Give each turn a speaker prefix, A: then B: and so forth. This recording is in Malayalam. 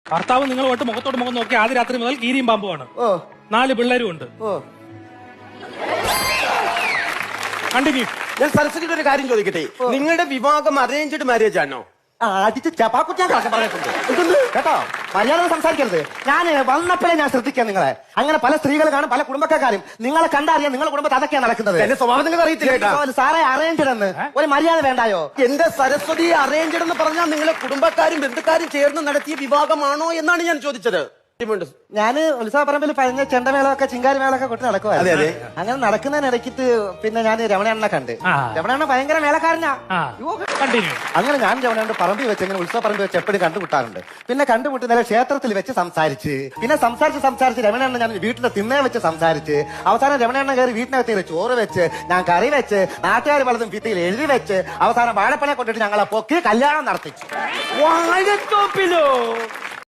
A: ഭർത്താവ് നിങ്ങളുമായിട്ട് മുഖത്തോട് മുഖം നോക്കി ആദ്യ രാത്രി മുതൽ കീരിയും പാമ്പുമാണ്. 4 പിള്ളേരും ഉണ്ട്. കണ്ടിന്യൂ.
B: ഞാൻ സരസ്വതിയുടെ ഒരു കാര്യം ചോദിക്കട്ടെ, നിങ്ങളുടെ വിവാഹം അറേഞ്ച്ഡ് മാരേജ് ആണോ?
C: അടിച്ച് ചപ്പാക്കുറ്റാൻ പറഞ്ഞിട്ടുണ്ട് കേട്ടോ. മര്യാദ സംസാരിക്കരുത്. ഞാൻ വന്നപ്പോഴേ ഞാൻ ശ്രദ്ധിക്കാം നിങ്ങളെ. അങ്ങനെ പല സ്ത്രീകൾ കാണും, പല കുടുംബക്കാരും. നിങ്ങളെ കണ്ടറിയാം നിങ്ങളുടെ കുടുംബത്തിൽ അതൊക്കെയാണ് നടക്കുന്നത്.
B: എന്റെ സ്വഭാവം നിങ്ങൾ അറിയത്തില്ല
C: സാറേ. അറേഞ്ച്ഡ് എന്ന് ഒരു മര്യാദ വേണ്ടായോ?
B: എന്റെ സരസ്വതി അറേഞ്ച്ഡ് എന്ന് പറഞ്ഞാൽ നിങ്ങളെ കുടുംബക്കാരും ബന്ധുക്കാരും ചേർന്ന് നടത്തിയ വിവാഹമാണോ എന്നാണ് ഞാൻ ചോദിച്ചത്.
C: ഞാന് ഉത്സവപ്പറമ്പിൽ പറഞ്ഞ ചെണ്ടമേളമൊക്കെ ചിങ്കാരി മേളൊക്കെ കൊട്ടി നടക്കുവായിരുന്നു. അങ്ങനെ നടക്കുന്നതിനിടയ്ക്ക് പിന്നെ ഞാൻ രമണണ്ണനെ കണ്ട്. രമണണ്ണ ഭയങ്കര മേളക്കാരനാ. അങ്ങനെ ഞാൻ രമണണ്ണ പറമ്പിൽ വെച്ച് ഇങ്ങനെ ഉത്സവപ്പറമ്പിൽ വെച്ച് എപ്പോഴും കണ്ടുമുട്ടാറുണ്ട്. പിന്നെ കണ്ടുമുട്ടി നേരെ ക്ഷേത്രത്തിൽ വെച്ച് സംസാരിച്ച്, പിന്നെ സംസാരിച്ച് രമണണ്ണ ഞാൻ വീട്ടിലെ തിണ്ണേ വെച്ച് സംസാരിച്ച്, അവസാനം രമണണ്ണ കയറി വീട്ടിനകത്ത് ചോറ് വെച്ച്, ഞാൻ കറി വെച്ച്, നാട്ടുകാർ പലതും ഭിത്തിയിൽ എഴുതി വെച്ച്, അവസാനം വാഴപ്പനെ കൊണ്ടിട്ട് ഞങ്ങളെ പൊക്കി കല്യാണം നടത്തിച്ചു.
B: വാഴത്തോപ്പിലോ?